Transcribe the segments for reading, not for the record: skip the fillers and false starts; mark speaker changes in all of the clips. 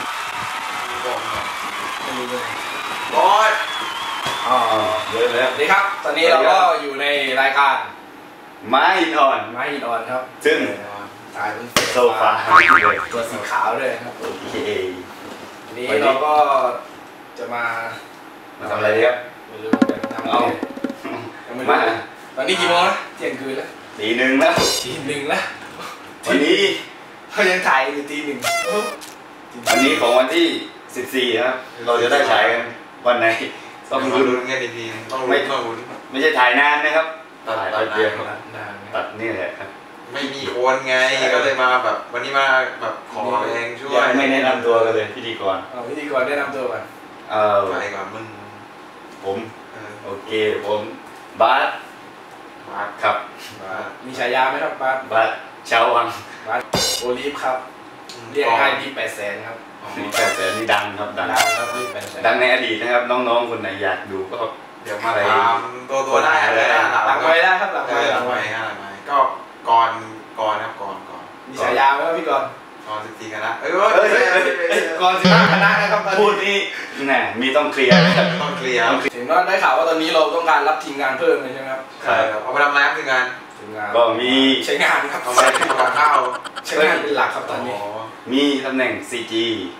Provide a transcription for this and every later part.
Speaker 1: บอส
Speaker 2: เลย
Speaker 1: ดีครับตอนนี้เราก็อยู่ในรายการ
Speaker 2: ไม้หินอ่อน
Speaker 1: ครับ
Speaker 2: ซึ่ง
Speaker 1: ถ่ายเป็น
Speaker 2: โซฟา
Speaker 1: ตัวสีขาวด้วยครับ
Speaker 2: โอเค
Speaker 1: วันนี้เราก็จะมา
Speaker 2: ทำอะไรดีครับ
Speaker 1: ไม่รู้จะทำอะไรมาตอนนี้กี่โมงแล้วเที่ยงคืนแล้ว
Speaker 2: ตี 1แล้ววันนี้
Speaker 1: เขายังถ่ายอยู่ตี 1
Speaker 2: วันนี้ของวันที่14ครับเราจะได้ฉายกันวันไหน
Speaker 3: ต้องลุ้นกันดีๆต้องลุ้น
Speaker 2: ไม่ใช่ถ่ายนานนะครับถ่ายไปเดียวตัดนี่แหละครับ
Speaker 3: ไม่มีโอนไงก็เลยมาแบบวันนี้มาแบบขอเองช่วย
Speaker 2: ไม่แนะนำตัวกันเลยพิธีกร
Speaker 1: แนะนำตัวก่อน
Speaker 3: ใครก่อนมึง
Speaker 2: ผมโอเคผมบาสครับ
Speaker 1: มีฉายาไหมครับบาส
Speaker 2: ชาววัง
Speaker 1: บาสโอลิฟครับเรียกง่ายดี800,000ครับ
Speaker 2: ดี800,000นี่ดังครับ
Speaker 1: ดังครับดี800,000
Speaker 2: ดังในอดีตนะครับน้องๆคนไหนอยากดูก็
Speaker 3: เดี๋ยวมาตามตัวได้เลย
Speaker 1: หลังไว้ได้ครับหลังไว้
Speaker 3: ก็ก่อนครับก่อน
Speaker 1: มีฉายาไหมครับพี่ก่อน
Speaker 3: 14คณะ
Speaker 1: ก่อน15คณะนะครับ
Speaker 2: พูดนี่แน่มีต้องเคลียร์
Speaker 1: ถึงว่าได้ข่าวว่าตอนนี้เราต้องการรับทีมงานเพิ่มเลยใช่ไหมครับ
Speaker 3: ใช่เอาไปทำอะไรทีมงาน
Speaker 2: ก็มี
Speaker 1: ใช้งานครับ
Speaker 3: เอาไปทำข้าว
Speaker 1: ใช้งานเป็นหลักครับตอนนี้
Speaker 2: มีตำแหน่ง CG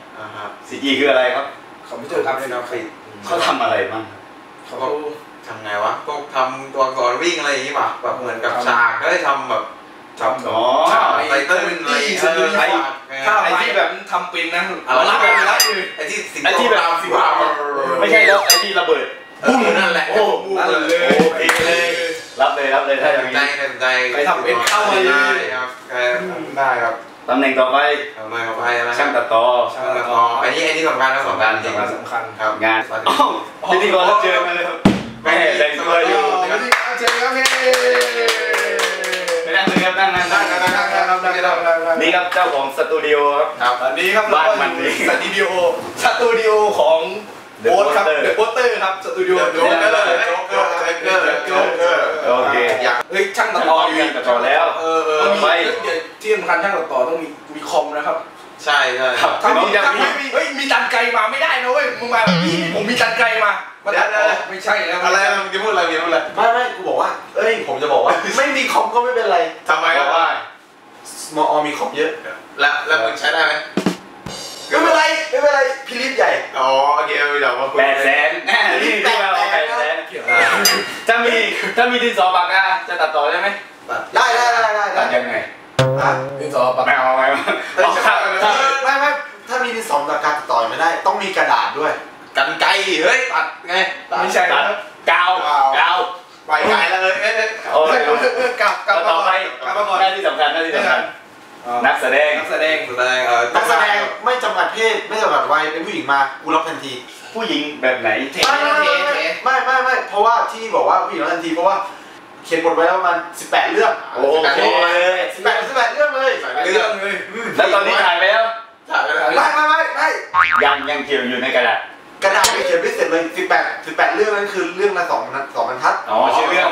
Speaker 2: CG คืออะไรครับ
Speaker 1: คอมพิวเตอร์กราฟิก
Speaker 2: เขาทำอะไรบ้าง
Speaker 3: เขาทำไงวะพวกทำตัวอักษรวิ่งอะไรอย่างนี้ป่ะแบบเหมือนกับฉากก็ได้ทำแบบไตเติ้ล
Speaker 1: ถ้าไอ้ที่แบบทำเป็นนะรับเลย
Speaker 3: ไอ้ที่แบบ
Speaker 2: ไม่ใช่แล้วไอ้ที่ระเบิด
Speaker 3: ปุ้งนั่นแหละ
Speaker 1: โอ้นั่นเลย
Speaker 2: โอเคเลยรับเลยถ้าอย่างนี้
Speaker 3: ใจ
Speaker 1: ไปทำเป็นเข้ามา
Speaker 3: เลยครับได้ครับ
Speaker 2: ตำแหน่งต่อไปช่างตัดต่อ
Speaker 3: อันนี้สำคัญนะสำคัญ
Speaker 2: ครับงานพิธีกรรับเชิญมาเลยครับแม่แต่งตัวอยู่
Speaker 1: เชิญครับพี่
Speaker 2: นั่งเลยครับนั่งนี่ครับเจ้าของสตูดิโอ
Speaker 1: ครับตอนนี้ครับ
Speaker 2: บ้านมันนี่
Speaker 1: สตูดิโอของโบ๊ทครับเดอะโปสเตอร์ครับสตูดิโอโจ๊กเกอร์
Speaker 2: โอเค
Speaker 1: ช่างตัดต่อ
Speaker 2: แล้ว
Speaker 1: ไปที่สำคัญช่างตัดต่อต้องมีคอมนะครับ
Speaker 3: ใช่
Speaker 1: ถ้ามีจันไกมาไม่ได้นะเว้ยมึงมาผมมีจันไกมาไม่ใช่แล้ว
Speaker 3: อะไรมึงจะพูดอะไร
Speaker 1: ไม่กูบอกว่าผมจะบอกว่าไม่มีคอมก็ไม่เป็นไร
Speaker 3: ทำไมก็ว่า
Speaker 1: มีคอมเยอะ
Speaker 3: แล้วมึงใช้ได้ไหม
Speaker 1: ไม่เป็นไรพิลิปใหญ่
Speaker 3: โอเคเดี๋ยวมาคุย
Speaker 2: 800,000นี่ที่เรา800,000ถ้ามีดินสอปากกาจะตัดต่อได้ไหม
Speaker 1: ได้
Speaker 2: ตัดยังไง
Speaker 1: ดินสอปาก
Speaker 2: ไม่เอา
Speaker 1: ไม่ถ้ามีดินสอปากกาตัดต่อไม่ได้ต้องมีกระดาษด้วย
Speaker 3: กันไกตัดไง
Speaker 1: ไม่ใช่
Speaker 2: ตัดกาว
Speaker 1: ไปไกลแล้วกลับ
Speaker 2: ต่อไปหน้าที่สำคัญนักแสดง
Speaker 1: ไม่จำกัดเพศไม่จำกัดวัยเป็นผู้หญิงมากูรับทันที
Speaker 2: ผู้หญิงแบบไหน
Speaker 1: ไม่เพราะว่าที่บอกว่าผู้หญิงรับทันทีเพราะว่าเขียนบทไว้แล้วประมาณ18 เรื่อง
Speaker 2: โอเค
Speaker 1: 18 เรื่องเลย
Speaker 2: แล้วตอนนี้ถ่ายแล้ว
Speaker 1: ไม่
Speaker 2: ยังเขียนอยู่ในกระดาษ
Speaker 1: ไม่เขียนไม่เสร็จเลย18 เรื่องนั้นคือเรื่องละ2 บรรทัด
Speaker 2: ชื่อเรื่อง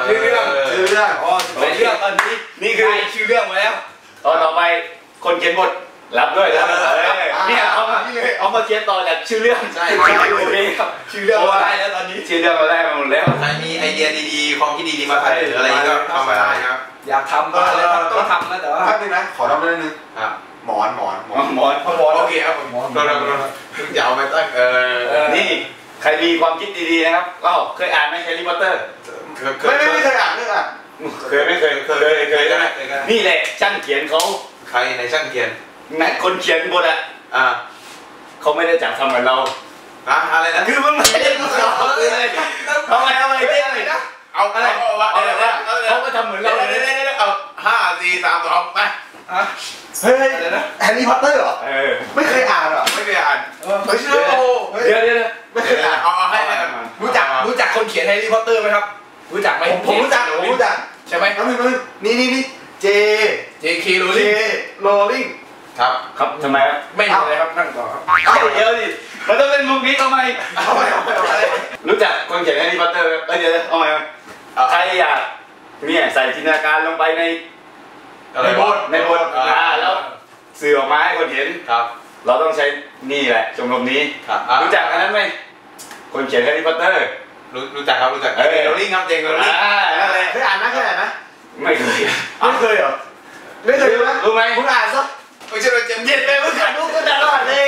Speaker 1: ตอนนี้นี่คือชื่อเรื่องมาแล้ว
Speaker 2: ต่อไปคนเขียนบทรับด้วยเนี่ยเอามาเขียนต่อจากชื่อเรื่อง
Speaker 3: ใช่
Speaker 2: โอเคครับ
Speaker 1: ชื่อเรื่องเราได้แล้วตอนนี้
Speaker 2: ชื่อเรื่องเราได้หมดแล้ว
Speaker 3: ใครมีไอเดียดีๆความคิดดีๆมาใส่อะไรก็ทำมาได้ครับ
Speaker 1: อยากทำก็อะไรต้องทำนะแต่ว่านึงนะขอทำนิดนึงหมอน
Speaker 3: โอเคครับหมอนอย่าเอาไปตั้ง
Speaker 2: นี่ใครมีความคิดดีๆนะครับก็เคยอ่านไหมแฮร์รี่พอตเตอร์
Speaker 1: ไม่เคยอ่าน
Speaker 2: ไม่เคยนี่แหละช่างเขียนเขา
Speaker 3: ใครในช่างเขียน
Speaker 2: นักคนเขียนบทเขาไม่ได้จับทำเหมือนเรา
Speaker 3: อะไรนะ
Speaker 2: คือมันไม่ได้เหมือนเราเลยทำไมนะ
Speaker 3: เอาอะไร
Speaker 2: เขาก็ทำเหมือนเราเลย
Speaker 3: เอา5 4 3 2ไป
Speaker 1: เฮ้ยแฮร์รี่พอตเตอร์เหรอไม่เคยอ่าน
Speaker 3: ไม่เคยอ่าน
Speaker 1: เดี๋ยวไม่เคยอ่าน
Speaker 3: เอาให้
Speaker 1: รู้จักคนเขียนแฮร์รี่พอตเตอร์ไหมครับรู้จักไหมผมรู้จักใช่ไหมนี่J.K. Rowling
Speaker 2: ครับทำไมครับ
Speaker 1: ไม่เลยครับนั่งต่อครับ
Speaker 2: เดี๋ยวดิมันต้องเล่นมุกนี้ทำไมรู้จักคนเขียนแฮร์รี่พอตเตอร์เดี๋ยวเอาใหม่ใครอยากเนี่ยใส่จินตนาการลงไปในบทแล้วสื่อออกมาให้คนเห็น
Speaker 3: ครับ
Speaker 2: เราต้องใช้นี่แหละชมรมนี้รู้จักอันนั้นไหมคนเขียนแฮร์รี่พอตเตอร์
Speaker 3: รู้จักครับรู้จักโรลลิ่งครับเจงโรลลิ่ง
Speaker 1: เคยอ่านไหม
Speaker 2: ไม่เคย
Speaker 1: เหรอไม่เคย
Speaker 2: รู้ไหม
Speaker 1: คุณอ่านซะ
Speaker 3: ไม่ใช่เราเจ็บ
Speaker 1: เย็นเลยมึงอ่านรู้ก็ตลอดเลย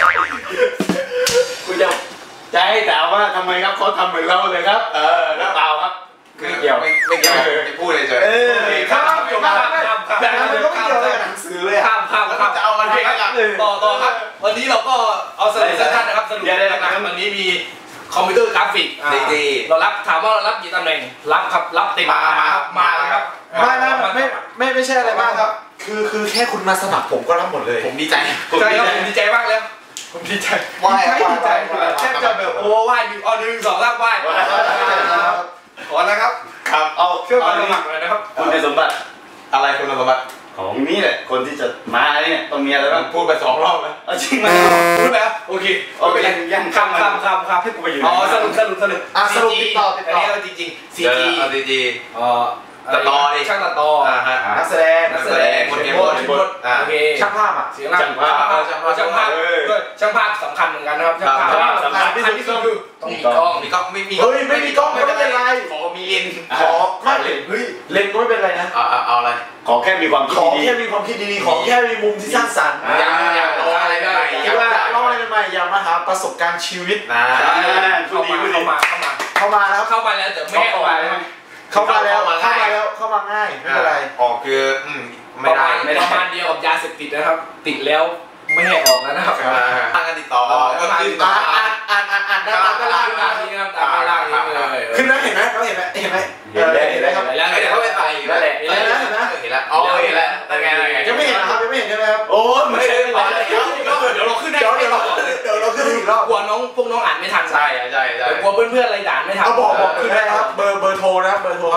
Speaker 2: กูจะให้ถามว่าทำไมครับเขาทำเหมือนเราเลยครับแล้วเปล่าครับ
Speaker 3: ไม่เกี่ยวจะพูดเลยเฉย
Speaker 1: ข้ามแต่มันก็ไม่เกี่ยวกับหนังสือเลย
Speaker 3: ข้ามจะเอามันไป
Speaker 1: ต่อครับวันนี้เราก็เอาสรุปสั้นๆนะครับสรุปนะครับวันนี้มีคอมพิวเตอร์กราฟิกเรารับถามว่าเรารับกี่ตำแหน่งรับครับรับเต็มมาเลยครับไม่ใช่อะไรมากครับคือแค่คุณมาสมัครผมก็รับหมดเลย
Speaker 3: ผมดีใจ
Speaker 1: ใช่ครับผมดีใจมากแล้วผมดีใจดีใจแค่จะแบบโอ้ไหว้1 2 3ไหว้ขอนะครับ
Speaker 2: เอา
Speaker 1: เชื่อมาสมัครเลยนะครับ
Speaker 2: คุณสมบัติ
Speaker 3: อะไรคุณสมบัติ
Speaker 2: ของนี่แหละคนที่จะมาเนี่ยต้องมีอะไรบ้าง
Speaker 3: พูดไป2 รอบแล้ว
Speaker 2: จริงไหม
Speaker 1: พูดแล้วโอเค
Speaker 2: ยังข้ามให้กูไปอยู่
Speaker 1: สรุปติดต่ออันนี้จริงๆ
Speaker 3: CG ตัดต่อดิ
Speaker 1: ช่างตัดต่อนักแสดง
Speaker 3: คนเขียนบท
Speaker 1: โอเคช่างภาพอ่ะเสียงช่างภาพช่างภาพสำคัญเหมือนกันนะครับช่างภาพสำคัญที่สุดคือต้องมีกล้องไม่มีกล้องไม่เป็นไร
Speaker 3: ขอมีเลน
Speaker 1: ขอไม่เลนก็ไม่เป็นไรนะ
Speaker 3: เอาอะไร
Speaker 2: ขอแค่มีความคิดดี
Speaker 1: ขอแค่มีความคิดดีๆขอแค่มีมุมที่สร้างสรรค์
Speaker 3: อยากลองอะไรได้
Speaker 1: คิดว่าลองอะไรใหม่ๆอยากมาหาประสบการณ์ชีวิตเข้ามาแล้วเข้ามาแล้วแต่ไม่ออกเข้ามาง่ายไม่เป็นไร
Speaker 3: ออกคือไม่ได้
Speaker 1: ประมาณเดียวกับยาเสพติดนะครับติดแล้วไม่ให้ออกแล้วนะครับ
Speaker 3: ทางการติดต่อก็คือ
Speaker 1: อ่านตามตารางนี้ครับตามตารางนี้เลยคือนั้นเห็นไหมเขาเห็นไหม
Speaker 2: เห็นแล้วครับ
Speaker 3: แล้วเดี๋ยวเขาไปใส่
Speaker 2: นั่นแหละ
Speaker 3: เห็นแล้วเห็นแล้วแต่ไง
Speaker 1: ยังไม่เห็นนะครับยังไม่เห็นใช่ไหมครับ
Speaker 2: โอ้ไม่ใช่
Speaker 1: เดี๋ยวเราขึ้นได้เดี๋ยวเราขึ้นอีกรอบกลัวพวกน้องอ่านไม่ทัน
Speaker 3: ใช่
Speaker 1: กลัวเพื่อนๆอะไรด่านไม่ทันบอกขึ้นได้ครับเบอร์โทรนะเบอร์โทรครับ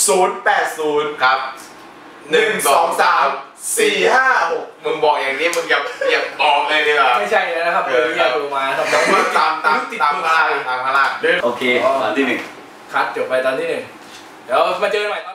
Speaker 1: 080
Speaker 3: ครับ
Speaker 1: 1 2 3 4 5 6
Speaker 3: มึงบอกอย่างนี้มึงอย่าบอกเลยดีกว่า
Speaker 1: ไม่ใช่นะครับเบอร์ที่โทรมาครับ
Speaker 3: ตามข้างล่าง
Speaker 2: โอเคตอนที่1
Speaker 1: คัดจบไปตอนที่1เดี๋ยวมาเจอกันใหม่ตอน